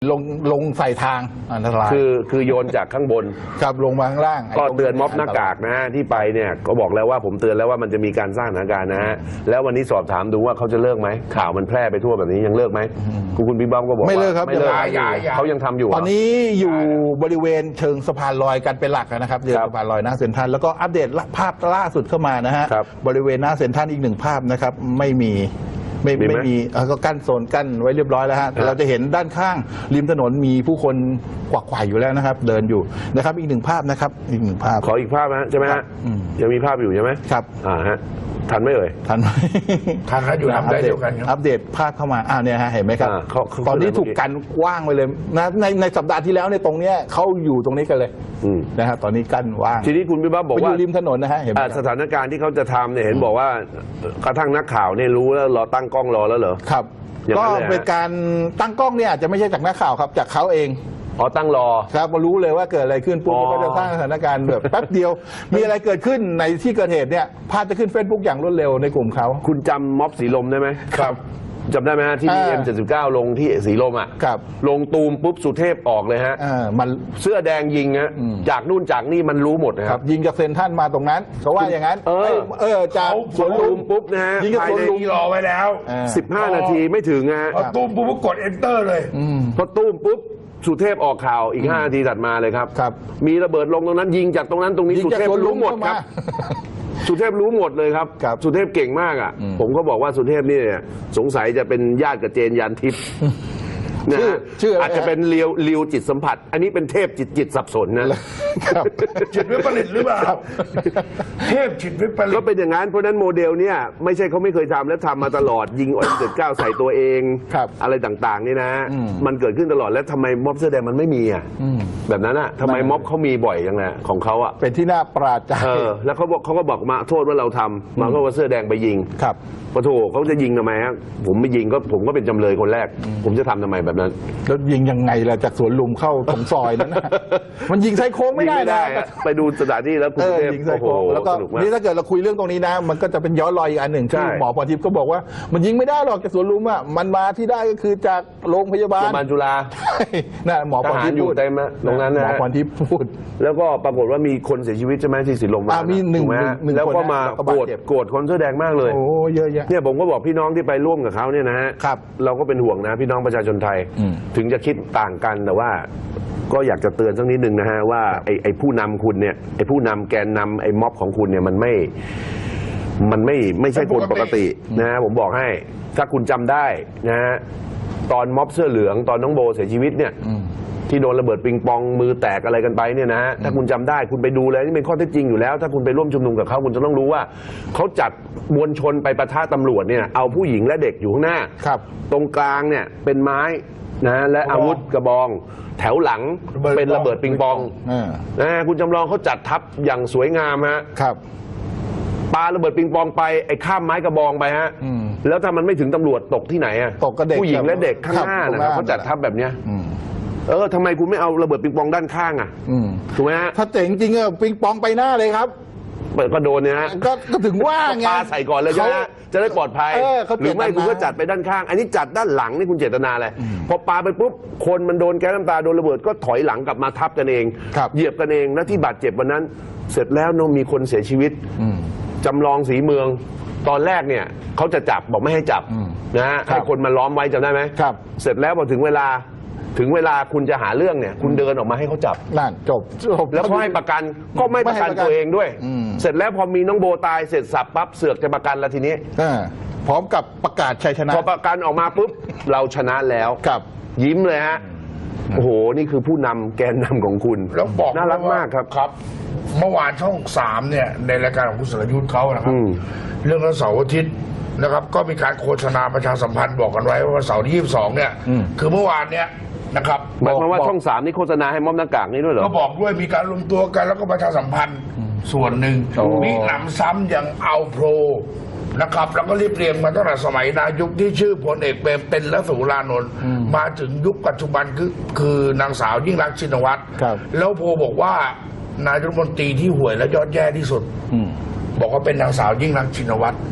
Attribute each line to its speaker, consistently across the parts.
Speaker 1: ลงใส่ทางอันตราย
Speaker 2: คือโยนจากข้างบน
Speaker 1: ครับลงมาข้างล่าง
Speaker 2: ก็เตือนม็อบหน้ากากนะฮะที่ไปเนี่ยก็บอกแล้วว่าผมเตือนแล้วว่ามันจะมีการสร้างสถานการณ์นะฮะแล้ววันนี้สอบถามดูว่าเขาจะเลิกไหมข่าวมันแพร่ไปทั่วแบบนี้ยังเลิกไหมคุณบิ๊กบ้อมก็บอก
Speaker 1: ไม่เลิกครับ
Speaker 2: ไม่เลิกเขายังทำอยู่
Speaker 1: ตอนนี้อยู่บริเวณเชิงสะพานลอยกันเป็นหลักนะครับเรือสะพานลอยหน้าเซ็นทรัลแล้วก็อัปเดตภาพล่าสุดเข้ามานะฮะบริเวณหน้าเซ็นทรัลอีก1 ภาพนะครับไม่มีก็กั้นโซนกั้นไว้เรียบร้อยแล้วฮะเราจะเห็นด้านข้างริมถนนมีผู้คนกวักไขว่อยู่แล้วนะครับเดินอยู่นะครับอีก1 ภาพนะครับอีก1 ภาพ
Speaker 2: ขออีกภาพนะใช่ไหมฮะยังมีภาพอยู่ใช่ไหม
Speaker 1: ครับ
Speaker 2: ฮะทันไหมเอ่ย
Speaker 1: ทันไหม
Speaker 3: ทันครับอยู่ทำได้เดียวกัน
Speaker 1: อัปเดตภาพเข้ามาเนี่ยฮะเห็นไหมครับตอนนี้ถูกกันกว้างไปเลยนะในสัปดาห์ที่แล้วในตรงเนี้ยเขาอยู่ตรงนี้กันเลยนะครับตอนนี้กั้นว่าง
Speaker 2: ทีนี้คุณบิ๊กบ้อมบอกว่า
Speaker 1: อยู่ริมถนนนะฮะเห็นไหม
Speaker 2: สถานการณ์ที่เขาจะทำเนี่ยเห็นบอกว่ากระทั่งนักข่าวเนี่ยรู้แล้วรอตั้งกล้องรอแล้วเหรอ
Speaker 1: ครับก็เป็นการตั้งกล้องเนี่ยอาจจะไม่ใช่จากนักข่าวครับจากเขาเอง
Speaker 2: ตั้งรอ
Speaker 1: ครับมารู้เลยว่าเกิดอะไรขึ้นปุ๊บก็จะสร้างสถานการณ์แบบแป๊บเดียวมีอะไรเกิดขึ้นในที่เกิดเหตุเนี่ยภาพจะขึ้น Facebook อย่างรวดเร็วในกลุ่มเขา
Speaker 2: คุณจำม็อบสีลมได้ไหม
Speaker 1: ครับ
Speaker 2: จำได้ไหมฮะที่มีM79ลงที่สีลม
Speaker 1: ครับ
Speaker 2: ลงตูมปุ๊บสุเทพออกเลยฮะ
Speaker 1: มัน
Speaker 2: เสื้อแดงยิงฮะจากนู่นจากนี่มันรู้หมดนะครับ
Speaker 1: ยิงจากเซ็นทรัลมาตรงนั้นเขาว่าอย่างนั้นจาก
Speaker 2: สวนลุมปุ๊บนะฮะ
Speaker 1: ยิงจากสวนลุม
Speaker 3: รอไว้แล้ว
Speaker 2: 15 นาทีไม่ถึงฮะ
Speaker 3: พอตุ้มปุ๊บกด enter เลย
Speaker 2: พอตุ้มปุ๊บสุเทพออกข่าวอีก5 นาทีถัดมาเลยครับมีระเบิดลงตรงนั้นยิงจากตรงนั้นตรงนี้สุเทพรู้หมดครับสุเทพรู้หมดเลยครับสุเทพเก่งมากผมก็บอกว่าสุเทพนี่สงสัยจะเป็นญาติกับเจนยันทิพย์นะอาจจะเป็นเลียวจิตสัมผัสอันนี้เป็นเทพจิตสับสนนะ
Speaker 3: จิตวิปริตหรือเปล่าเทพจิตวิปริต
Speaker 2: ก็เป็นอย่างนั้นเพราะนั้นโมเดลเนี่ยไม่ใช่เขาไม่เคยทำและทำมาตลอดยิงM79ใส่ตัวเองอะไรต่างๆนี่นะมันเกิดขึ้นตลอดแล้วทำไมม็อบเสื้อแดงมันไม่มีแบบนั้นทำไมม็อบเขามีบ่อยอย่างไงของเขา
Speaker 1: เป็นที่น่าประหลาดใจ
Speaker 2: แล้วเขาก็บอกมาโทษว่าเราทำมาก็ว่าเสื้อแดงไปยิงปะโถเขาจะยิงทำไมฮะผมไม่ยิงก็ผมก็เป็นจำเลยคนแรกผมจะทำทำไมแบบนั้น
Speaker 1: แล้วยิงยังไงล่ะจากสวนลุมเข้าตรงซอยนั้นมันยิงไซโค้งไม่ได้
Speaker 2: ไปดูสถานที่แล้วคุณเทพ
Speaker 1: ยิงไซโค้งแล้วก็นี่ถ้าเกิดเราคุยเรื่องตรงนี้นะมันก็จะเป็นย้อนรอยอีกอันหนึ่งที่หมอพรทิพย์ก็บอกว่ามันยิงไม่ได้หรอกจากสวนลุมมันมาที่ได้ก็คือจากโรงพยาบาล
Speaker 2: จุฬา
Speaker 1: น่ะหมอพรทิพย์
Speaker 2: อยู่เต็มตรงนั้นนะ
Speaker 1: หมอพรทิพย์พูด
Speaker 2: แล้วก็ปรากฏว่ามีคนเสียชีวิตใช่ไหมที่สีลม
Speaker 1: มี1
Speaker 2: แล้วก็มาโกรธคนเสื้อแดงมากเลย
Speaker 1: โอ้เยอะแยะ
Speaker 2: เนี่ยผมก็บอกพี่น้องที่ไปร่วมกับเขาเนี่ยนะฮะเราก็เป็นห่วงนะพี่น้องประชาชนไทยถึงจะคิดต่างกันแต่ว่าก็อยากจะเตือนสักนิดนึงนะฮะว่าไอ้ผู้นำคุณเนี่ยไอ้ผู้นำแกนนำไอ้ม็อบของคุณเนี่ยมันไม่ใช่คนปกตินะฮะผมบอกให้ถ้าคุณจำได้นะฮะตอนม็อบเสื้อเหลืองตอนน้องโบเสียชีวิตเนี่ยที่โดนระเบิดปิงปองมือแตกอะไรกันไปเนี่ยนะถ้าคุณจำได้คุณไปดูเลยนี่เป็นข้อเท็จจริงอยู่แล้วถ้าคุณไปร่วมชุมนุมกับเขาคุณจะต้องรู้ว่าเขาจัดมวลชนไปปะทะตำรวจเนี่ยเอาผู้หญิงและเด็กอยู่ข้างหน้าตรงกลางเนี่ยเป็นไม้นะและอาวุธกระบองแถวหลังเป็นระเบิดปิงปองนะคุณจำลองเขาจัดทัพอย่างสวยงามฮะปาระเบิดปิงปองไปไอ้ข้ามไม้กระบองไปฮะแล้วถ้ามันไม่ถึงตำรวจตกที่ไหนอะ
Speaker 1: ตกกับเด็ก
Speaker 2: ผู้หญิงและเด็กข้างหน้านะครับเขาจัดทัพแบบเนี้ยทำไมคุณไม่เอาระเบิดปิงปองด้านข้างถูกไหมฮะ
Speaker 1: ถ้าเจ๋งจริงปิงปองไปหน้าเลยครับ
Speaker 2: ก็โดนเนี่ยฮะ
Speaker 1: ก็ถึงว่าไง
Speaker 2: ปาใส่ก่อนเลยจะได้ปลอดภัยหรือไม่คุณก็จัดไปด้านข้างอันนี้จัดด้านหลังนี่คุณเจตนาอะไรพอปาไปปุ๊บคนมันโดนแก๊สน้ำตาโดนระเบิดก็ถอยหลังกลับมาทับกันเองเหยียบกันเองแล้วที่บาดเจ็บวันนั้นเสร็จแล้วมีคนเสียชีวิตจำลองสีเมืองตอนแรกเนี่ยเขาจะจับบอกไม่ให้จับนะฮะให้คนมาล้อมไว้จำได้ไหมเสร็จแล้วพอถึงเวลาคุณจะหาเรื่องเนี่ยคุณเดินออกมาให้เขาจับ
Speaker 1: นั่นจบ
Speaker 2: แล้วเขาให้ประกันก็ไม่ประกันตัวเองด้วยเสร็จแล้วพอมีน้องโบตายเสร็จสับปั๊บเสือกจะประกันแล้วทีนี้
Speaker 1: พร้อมกับประกาศชัยชนะ
Speaker 2: พอประกันออกมาปุ๊บเราชนะแล้วยิ้มเลยฮะโอ้โหนี่คือผู้นำแกนนำของคุณ
Speaker 3: แล้วบอก
Speaker 2: น่ารักมาก
Speaker 3: ครับเมื่อวานช่อง3เนี่ยในรายการของคุณสรยุทธ์เขานะครับเรื่องวันเสาร์อาทิตย์นะครับก็มีการโฆษณาประชาสัมพันธ์บอกกันไว้ว่าวันเสาร์ที่22เนี่ยคือเมื่อวานเนี่ยนะครับ
Speaker 2: หมายความว่าช่อง3นี่โฆษณาให้ม็อบหน้ากากนี่ด้วยเหรอ
Speaker 3: ก็บอกด้วยมีการรวมตัวกันแล้วก็ประชาสัมพันธ์ส่วนหนึ่งมีหนำซ้ำอย่างเอาโปรนะครับแล้วก็รีบเรียงมาตั้งแต่สมัยนายกที่ชื่อพลเอกเปรมเป็นและสุรานนท์มาถึงยุคปัจจุบันคือนางสาวยิ่งรักษณ์ชินวัตรแล้วโพบอกว่านายรัฐมนตรีที่ห่วยและยอดแย่ที่สุดบอกว่าเป็นนางสาวยิ่งรักษณ์ชินวัตร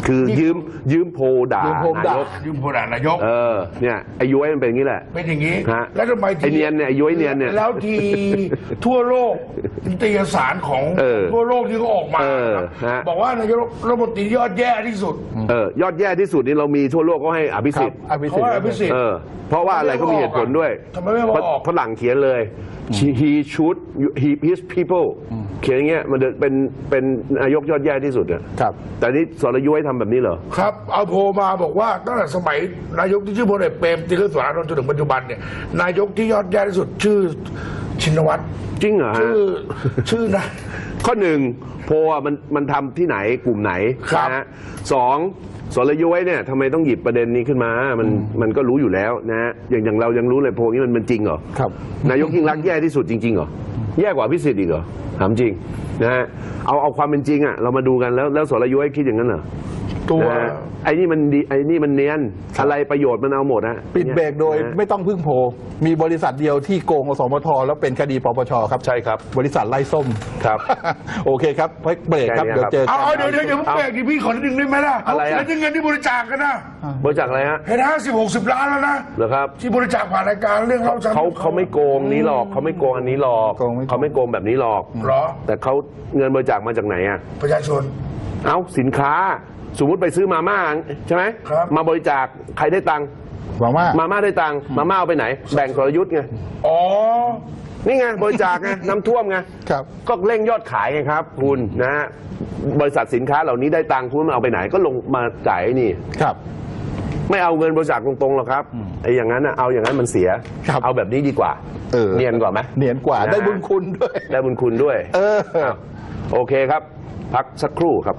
Speaker 2: คือยืมโพลด่า
Speaker 1: ยืมโพล
Speaker 2: นา
Speaker 1: ด่า
Speaker 2: ยก
Speaker 3: ยืมพลนายก
Speaker 2: เนี่ยไอ้ย้อยมันเป็นอย่างนี้แหละ
Speaker 3: เป็นอย่างนี้
Speaker 2: ฮะ
Speaker 3: แล้วทำไม
Speaker 2: ไอ้เนียนเนี่ยไอ้ย้อยเนียนเนี่ย
Speaker 3: แล้วทีทั่วโลกนิตยสารของทั่วโลกที่เขาออกมา
Speaker 2: ฮะ
Speaker 3: บอกว่านายกรัฐมนตรียอดแย่ที่สุด
Speaker 2: ยอดแย่ที่สุดนี่เรามีทั่วโลกก็ให้อภิสิทธิ์
Speaker 1: อภิสิท
Speaker 3: เพราะว่าอภิ
Speaker 1: ธิ์
Speaker 3: สิทธิ์
Speaker 2: เพราะว่าอะไรก็มีเหตุผลด้วย
Speaker 3: ทำไมไม่มาออก
Speaker 2: ฝรั่งเขียนเลย he should his people เขียนอย่างเงี้ยมันเป็นนายกยอดแย่ที่สุดอะ
Speaker 1: ครับ
Speaker 2: แต่นี่สรยุทธ์ทำแบบนี้เหรอ
Speaker 3: ครับเอาโพลมาบอกว่าตั้งแต่สมัยนายกที่ชื่อพลเอกเปรมติลสุรานนท์จนถึงปัจจุบันเนี่ยนายกที่ยอดแย่ที่สุดชื่อชินวัตร
Speaker 2: จริงเหรอฮะ
Speaker 3: ชื่อนะ
Speaker 2: ข้อหนึ่งโพลอะมันทำที่ไหนกลุ่มไหน
Speaker 3: ครับ
Speaker 2: นะฮะสองสรยุทธ์เนี่ยทำไมต้องหยิบประเด็นนี้ขึ้นมามันก็รู้อยู่แล้วนะฮะอย่างเรายังรู้เลยโพลนี้มันจริงเหรอ
Speaker 1: ครับ
Speaker 2: นายกยิ่งรักษณ์แย่ที่สุดจริงๆเหรอแย่กว่าพิสิทธิ์อีกเหรอถามจริงนะฮะเอาความเป็นจริงอ่ะเรามาดูกันแล้วสรยุทธ์คิดอย่างนั้นเหรอ
Speaker 3: ตัว
Speaker 2: นะฮะไอ้นี่มันดีไอ้นี่มันเนียนอะไรประโยชน์มันเอาหมดฮะ
Speaker 1: ปิดเบรกโดย
Speaker 2: นะ
Speaker 1: ไม่ต้องพึ่งโพลมีบริษัทเดียวที่โกงอสมทแล้วเป็นคดีปปชครับ
Speaker 2: ใช่ครับ
Speaker 1: บริษัทไล่ส้ม
Speaker 2: ครับ
Speaker 1: โอเคครับเบรกครับ
Speaker 2: แค่นี้
Speaker 1: เดี๋ยวเจอกัน
Speaker 3: เอาเดี๋ยวผมแปลกดิพี่ขอนิดนึงได้ไหมล่ะ
Speaker 2: อะไรอะ
Speaker 3: แล้วที่เงินที่บริจาคกันนะ
Speaker 2: บริจาคอะไรฮะ
Speaker 3: เห็น50-60 ล้านแล้วนะ
Speaker 2: เหรอครับ
Speaker 3: ที่บริจาคผ่านรายการเรื่องเรา
Speaker 2: เขาไม่โกงนี้หรอกเขาไม่โกงอันนี้หรอกเขาไม่โกงแบบนี้หรอก
Speaker 3: เหรอ
Speaker 2: แต่เขาเงินบริจาคมาจากไหนอ่ะ
Speaker 3: ประชาชน
Speaker 2: เอาสินค้าสมมุติไปซื้อมาม่าใช่ไหม
Speaker 3: ครับ
Speaker 2: มาบริจาคใครได้ตังค์
Speaker 1: หวังว่า
Speaker 2: มาม่าได้ตังค์มาม่าเอาไปไหน แบ่งสรยุทธ์ไง
Speaker 3: อ๋อ
Speaker 2: นี่ไงบริจาคไง น้ำท่วมไง
Speaker 1: ครับ
Speaker 2: ก็เร่งยอดขายไงครับ คุณนะฮะบริษัทสินค้าเหล่านี้ได้ตังค์คุณมันเอาไปไหนก็ลงมาจ่ายไอ้นี่
Speaker 1: ครับ
Speaker 2: ไม่เอาเงินบริจาคตรงๆหรอกครับไอ้อย่างนั้นนะเอาอย่างนั้นมันเสีย
Speaker 1: ครับ
Speaker 2: เอาแบบนี้ดีกว่า เนียนกว่าไหม
Speaker 1: เนียนกว่า
Speaker 2: นะฮะ
Speaker 1: ได้บุญคุณด้วย
Speaker 2: ได้บุญคุณด้วย
Speaker 1: ครับ
Speaker 2: โอเคครับ พักสักครู่ครับ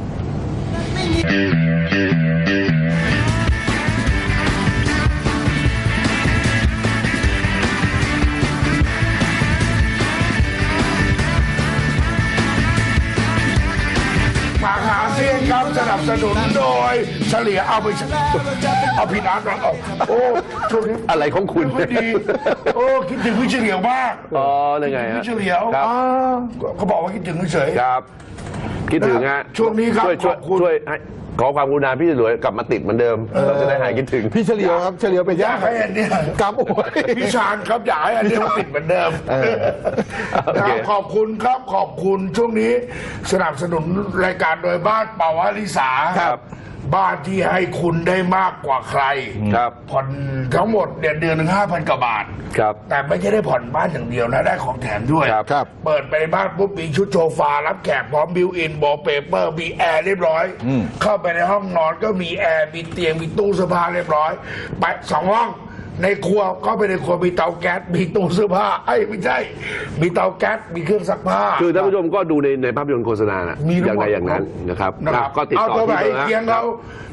Speaker 3: มหาเซียนครับสนับสนุนโดยเฉลี่ยเอาไปเอาผิดอันมาออกโอ้ช่วงนี้
Speaker 2: อะไรของคุณ
Speaker 3: ไม่ดีโอ้คิดถึงพี่เฉลียวมาก
Speaker 2: อ๋อเลยไงฮะ
Speaker 3: พี่เฉลียว
Speaker 2: ครับ
Speaker 3: เขาบอกว่าคิดถึงเฉย
Speaker 2: ครับ คิดถึงฮะ
Speaker 3: ช่วงนี้ครับ
Speaker 2: ช่วย
Speaker 3: ขอบคุณ
Speaker 2: ช่วยให้ขอความกรุณาพี่หลวยกลับมาติดเหมือนเดิม เราจะได้หายคิดถึง
Speaker 1: พี่เฉลียวครับเฉลียวเป็น
Speaker 3: อยา
Speaker 1: ญาก ติ
Speaker 3: ให้อันเนี้ย
Speaker 1: กับโอ้ย
Speaker 3: พี่ชาญครับอยากให้อันเนี้ยมันติดเหมือนเดิม
Speaker 2: โอเค
Speaker 3: ขอบคุณครับขอบคุณช่วงนี้สนับสนุนรายการโดยบ้านเป่าวลิสา
Speaker 2: ครับ
Speaker 3: บ้านที่ให้คุณได้มากกว่าใคร
Speaker 2: ครับ
Speaker 3: ผ่อนทั้งหมดเนี่ยเดือนหนึ่ง5,000 กว่าบาท
Speaker 2: ครับ
Speaker 3: แต่ไม่ใช่ได้ผ่อนบ้านอย่างเดียวนะ ได้ของแถมด้วย
Speaker 2: ครับ
Speaker 1: ครับ
Speaker 3: เปิดไปในบ้านปุ๊บมีชุดโซฟารับแขกพร้อมบิวอินบอลเปเปอร์มีแอร์เรียบร้อย เข้าไปในห้องนอนก็มีแอร์มีเตียงมีตู้เสื้อผ้าเรียบร้อย ไป2 ห้องในครัวก็ไปในครัวมีเตาแก๊สมีตู้เสื้อผ้าไม่ใช่ มีเตาแก๊สมีเครื่องซักผ้า
Speaker 2: คือท่านผู้ชมก็ดูในภาพยนตร์โฆษณานะ
Speaker 3: มีทั้
Speaker 2: อง ย่าง
Speaker 3: หมด
Speaker 2: ไรอย่างนั้นนะครับ
Speaker 3: นะครับ
Speaker 2: ก็ติด
Speaker 3: เอา
Speaker 2: ต่อ
Speaker 3: ตัวไหน
Speaker 2: ที่เบอร์
Speaker 3: เคียง
Speaker 2: ฮะ
Speaker 3: เขา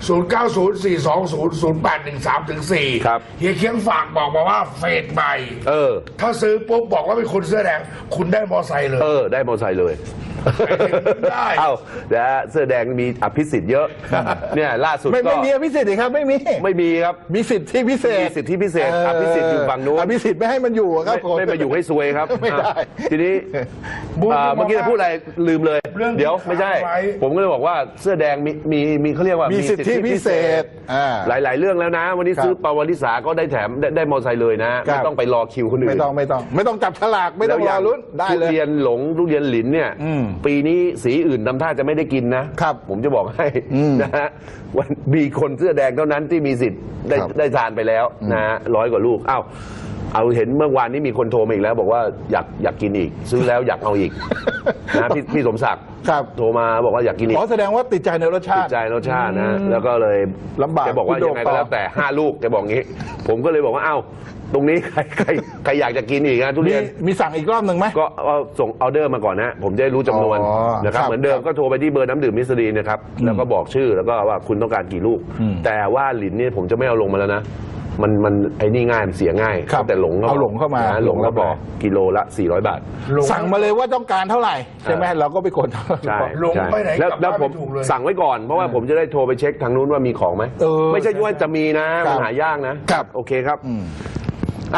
Speaker 3: 0904200813-4
Speaker 2: ครับ
Speaker 3: เฮียเคียงฝากบอกมาว่าเฟสใหม่ ถ้าซื้อปุ๊บบอกว่าเป็นคนเสื้อแดงคุณได้มอไซค์เลย
Speaker 2: ได้มอเตอร์ไซค์เลย
Speaker 3: ได้
Speaker 2: เอ้านะฮะเสื้อแดงมีอภิสิทธิ์เยอะ เนี่ยล่าสุด
Speaker 1: ไม่
Speaker 2: ก็
Speaker 1: มีอภิสิทธิ์ครับไม่มี
Speaker 2: ไม่มีครับ
Speaker 1: มีสิทธิพิเศษ
Speaker 2: มีสิทธิพิเศษอภิสิทธิ์อยู่ฝั่งนู้น
Speaker 1: อภิสิทธิ์ไม่ให้มันอยู่อะครับ
Speaker 2: ไม่มาอยู่ให้ซวยครับ
Speaker 1: ไม่ได้
Speaker 2: ทีนี้
Speaker 3: บู๊
Speaker 2: เมื่อกี้จะพูดอะไรลืมเลย
Speaker 3: เรื่อง
Speaker 2: เดี๋ยวไม่ใช่
Speaker 3: ค้างไว้
Speaker 2: ผมก็เลยบอกว่าเสื้อแดงมีเขาเรียกว่า
Speaker 1: มี
Speaker 2: มี
Speaker 1: สิทธิพิเศษ
Speaker 2: หลาย ๆ เรื่องแล้วนะ วันนี้
Speaker 1: ครับ
Speaker 2: ซื้อปาวลิสาก็ได้แถมได้มอเตอร์ไซค์เลยนะ
Speaker 1: ครั
Speaker 2: ไม่
Speaker 1: บ
Speaker 2: ต้องไปรอคิวคนอื่น
Speaker 1: ไม่ต้องจับฉลากไม่ต้องรอลุ้นได้
Speaker 2: ทุ
Speaker 1: เลย
Speaker 2: เรียนหลงทุเรียนหลินเนี่ย ปีนี้สีอื่นทำท่าจะไม่ได้กินนะครับ ผมจะบอกให้นะฮะวันมีคนเสื้อแดงเท่านั้นที่มีสิทธิ์ได้
Speaker 1: ครับ
Speaker 2: ได้ทานไปแล้วนะฮะ100 กว่าลูกอ้าวเอาเห็นเมื่อวานนี้มีคนโทรมาอีกแล้ว บอกว่าอยากกินอีก ซื้อแล้วอยากเอาอีกนะพี่สมศักดิ์
Speaker 1: ครับ
Speaker 2: โทรมาบอกว่าอยากกินอีก
Speaker 1: แสดงว่าติดใจในรสชา
Speaker 2: ติ
Speaker 1: ติ
Speaker 2: ดใจรสชาตินะแล้วก็เลย
Speaker 1: ลำบาก
Speaker 2: แกบอกว่า
Speaker 1: คุณโด่
Speaker 2: ยัง
Speaker 1: ง
Speaker 2: ไงก็แล้วแต่5 ลูกแกบอกงี้ ผมก็เลยบอกว่าเอ้าตรงนี้ใครอยากจะกินอีกนะทุเรียน
Speaker 1: มีสั่งอีกรอบหนึ่งไหม
Speaker 2: ก็เอาส่งออเดอร์มาก่อนนะผมจะได้รู้จำนวน
Speaker 1: อ๋อ
Speaker 2: นะครับ
Speaker 1: ครับ
Speaker 2: เหมือนเดิมก็โทรไปที่เบอร์น้ำดื่มมิสรีนะครับแล้วก็บอกชื่อแล้วก็ว่าคุณต้องการกี่ลูก แต่ว่าหลินเนี่ยผมจะไม่เอาลงมาแล้วนะมันไอ้นี่ง่ายมันเสียง่าย
Speaker 1: ครับ
Speaker 2: แต่หลงก็
Speaker 1: เอาหลงเข้ามา
Speaker 2: นะหลงแล้วบอกกิโลละ400 บาท
Speaker 1: สั่งมาเลยว่าต้องการเท่าไหร่ใช่ไหมเราก็ไปกดเท่าไหร่
Speaker 2: ใช่
Speaker 3: ลงไปไหน
Speaker 2: แล้ว
Speaker 3: กลับ
Speaker 2: แล้ว
Speaker 3: บ้าน
Speaker 2: ผม
Speaker 3: ไม่ถูกเลย
Speaker 2: สั่งไว้ก่อนเพราะว่าผมจะได้โทรไปเช็คทางนู้นว่ามีของไหม
Speaker 1: เออ
Speaker 2: ไม่ใช่ว่าจะมีนะมันหายากนะครับ โอเคครับอ้าว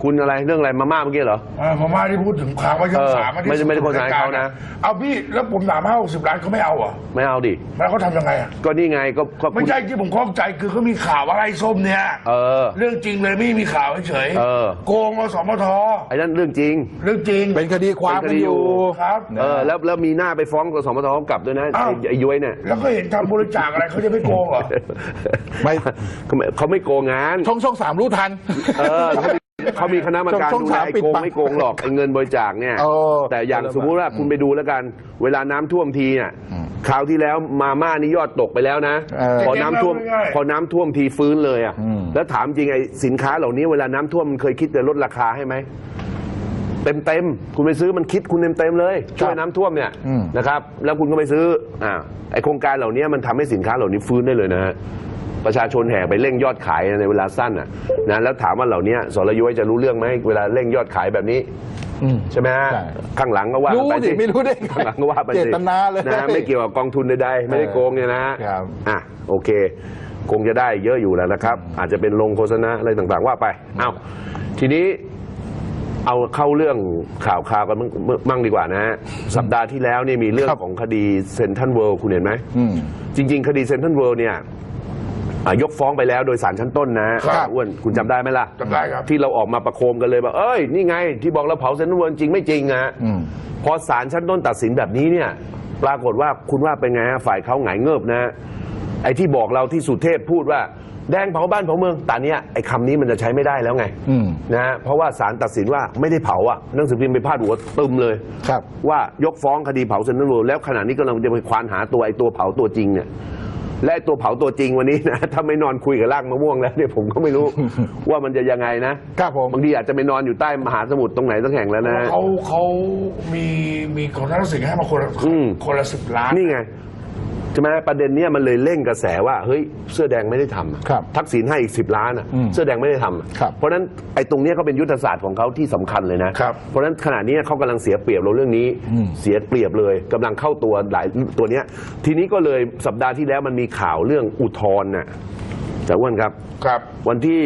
Speaker 2: คุณอะไรเรื่องอะไรมาม่าเมื่อกี้เหรอ
Speaker 3: พม่าที่พูดถึงข่าวว่าช่องสาม
Speaker 2: ไม่ได้โฆษณาให้เขานะ
Speaker 3: เอาพี่แล้วผมถาม50 ล้านเขาไม่เอาเหรอ
Speaker 2: ไม่เอาดิ
Speaker 3: แล้วเขาทำยังไงอ่ะ
Speaker 2: ก็นี่ไงก็
Speaker 3: ไม่ใช่ที่ผมข้องใจคือเขามีข่าวว่าไอ้ส้มเนี่ยเรื่องจริงเลยไม่มีข่าวเฉยโกงอสมท.
Speaker 2: ไอ้นั่นเรื่องจริง
Speaker 3: เรื่องจริง
Speaker 1: เป็นคดีความกันอยู่
Speaker 3: ครับ
Speaker 2: แล้วมีหน้าไปฟ้องกสมทกลับด้วยนะไอ้ย้วยเนี่ย
Speaker 3: แล้วก็เห็นทำบริจาคอะไรเขาจะไม่โกงเหรอ
Speaker 1: ไม่
Speaker 2: เขาไม่โกงงาน
Speaker 1: ช่อง3รู้ทัน
Speaker 2: เขามีคณะกรรมการดูแลโกงไม่โกงหรอกไอ้เงินบริจาคเนี่ยแต่อย่างสมมุติว่าคุณไปดูแล้วกัน เวลาน้ำท่วมทีเนี่ยคราวที่แล้วมาม่านี่ยอดตกไปแล้วนะพอน้ำท่วมทีฟื้นเลยอ่ะแล้วถามจริงไอ้สินค้าเหล่านี้เวลาน้ำท่วมมันเคยคิดจะลดราคาให้ไหมเต็มคุณไปซื้อมันคิดคุณเต็มเลยช่วยน้ำท่วมเนี่ยนะครับแล้วคุณก็ไปซื้อไอ้โครงการเหล่านี้มันทำให้สินค้าเหล่านี้ฟื้นได้เลยนะฮะประชาชนแห่ไปเร่งยอดขายในเวลาสั้นนะแล้วถามว่าเหล่านี้สรยุ้ยจะรู้เรื่องไหมเวลาเร่งยอดขายแบบนี้ใช่ไหมฮะข้างหลังก็ว่าไปสิ
Speaker 1: ไม่รู้ได้
Speaker 2: ข้างหลังก็ว่าไปสิ
Speaker 1: เจตนาเลย
Speaker 2: นะไม่เกี่ยวกับกองทุนใดๆไม่ได้โกงเนี่ยนะโอเคคงจะได้เยอะอยู่แล้วนะครับ อาจจะเป็นลงโฆษณาอะไรต่างๆว่าไปทีนี้เอาเข้าเรื่องข่าวกันมั่งดีกว่านะฮะสัปดาห์ที่แล้วนี่มีเรื่องของคดีเซ็นทรัลเวิลด์คุณเห็นไหมจริงๆคดีเซ็นทรัลเวิลด์เนี่ยยกฟ้องไปแล้วโดยศาลชั้นต้นนะอ้วนคุณจำได้ไหมล่ะ
Speaker 3: จำได้ครับ
Speaker 2: ที่เราออกมาประโคมกันเลยว่าเอ้ยนี่ไงที่บอกเราเผาเซ็นทรัลเวิลด์จริงไม่จริงนะพอศาลชั้นต้นตัดสินแบบนี้เนี่ยปรากฏว่าคุณว่าเป็นไงฮะฝ่ายเขาหงายเงิบนะไอ้ที่บอกเราที่สุเทพพูดว่าแดงเผาบ้านเผาเมืองแต่เนี้ยไอ้คำนี้มันจะใช้ไม่ได้แล้วไงนะฮะเพราะว่าศาลตัดสินว่าไม่ได้เผาหนังสือพิมพ์ไปพาดหัวตึมเลยว่ายกฟ้องคดีเผาเซ็นทรัลเวิลด์แล้วขณะนี้กำลังจะไปควานหาตัวไอ้ตัวเผาตัวจริงเนี่ยและตัวเผาตัวจริงวันนี้นะถ้าไม่นอนคุยกับรากมะม่วงแล้วเนี่ยผมก็ไม่รู้ ว่ามันจะยังไงนะครับผมบางทีอาจจะไปนอนอยู่ใต้มหาสมุทรตรงไหนสักแห่งแล้วนะ
Speaker 3: เขามีของทักษิณให้มาคนละ10 ล้าน
Speaker 2: นี่ไงใช่ไหมประเด็นนี้มันเลยเร่งกระแสว่าเฮ้ยเสื้อแดงไม่ได้ทำทักษิณให้อีก10 ล้านเสื้อแดงไม่ได้ทำเพราะฉะนั้นไอ้ตรงนี้ก็เป็นยุทธศาสตร์ของเขาที่สำคัญเลยนะเพราะฉะนั้นขณะนี้เขากำลังเสียเปรียบเราเรื่องนี้เสียเปรียบเลยกำลังเข้าตัวหลายตัวเนี้ยทีนี้ก็เลยสัปดาห์ที่แล้วมันมีข่าวเรื่องอุทธรณ์น่ะจากอ้วนครับวันที่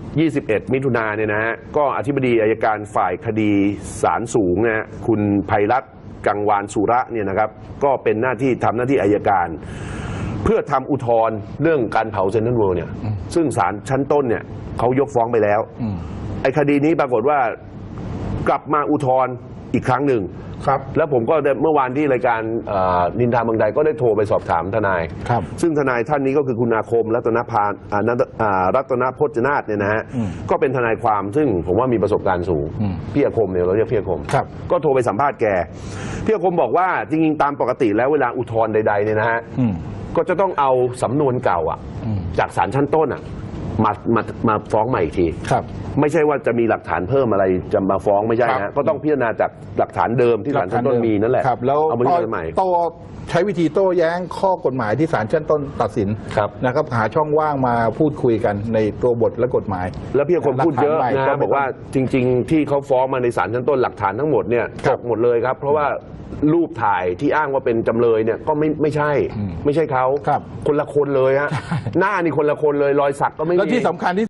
Speaker 2: 21 มิถุนายนเนี่ยนะฮะก็อธิบดีอัยการฝ่ายคดีศาลสูงนะคุณไพรัตน์กังวานสุระเนี่ยนะครับก็เป็นหน้าที่ทำหน้าที่อัยการเพื่อทำอุทธรณ์เรื่องการเผาเซ็นทรัลเวิลด์เนี่ยซึ่งศาลชั้นต้นเนี่ยเขายกฟ้องไปแล้วไอ้คดีนี้ปรากฏว่ากลับมาอุทธรณ์อีกครั้งหนึ่งแล้วผมก็เมื่อวานที่รายการนินทาเมืองใดก็ได้โทรไปสอบถามทนายซึ่งทนายท่านนี้ก็คือคุณอาคมรัตนพจนาถเนี่ยนะฮะก็เป็นทนายความซึ่งผมว่ามีประสบการณ์สูงพี่อาคมเนี่ยเราเรียกพี่อาคมก็โทรไปสัมภาษณ์แกพี่อาคมบอกว่าจริงๆตามปกติแล้วเวลาอุทธรณ์ใดๆเนี่ยนะฮะก็จะต้องเอาสำนวนเก่าจากศาลชั้นต้นมาฟ้องใหม่อีกทีไม่ใช่ว่าจะมีหลักฐานเพิ่มอะไรจะมาฟ้องไม่ใช่นะก็ต้องพิจารณาจากหลักฐานเดิมที่ศาลชั้นต้นมีนั่นแหละ
Speaker 1: แล้ว
Speaker 2: เอามาพิจารณาใหม่
Speaker 1: ใช้วิธีโต้แย้งข้อกฎหมายที่ศาลชั้นต้นตัดสินนะครับหาช่องว่างมาพูดคุยกันในตัวบทและกฎหมาย
Speaker 2: แล้วพี่คนพูดเยอะนะบอกว่าจริงๆที่เขาฟ้องมาในศาลชั้นต้นหลักฐานทั้งหมดเนี่ยตกหมดเลยครับเพราะว่ารูปถ่ายที่อ้างว่าเป็นจำเลยเนี่ยก็ไม่ใช่เขาคนละคนเลยฮะหน้านี่คนละคนเลยรอยสักก็ไม่มี
Speaker 1: แล้วที่สำคัญที่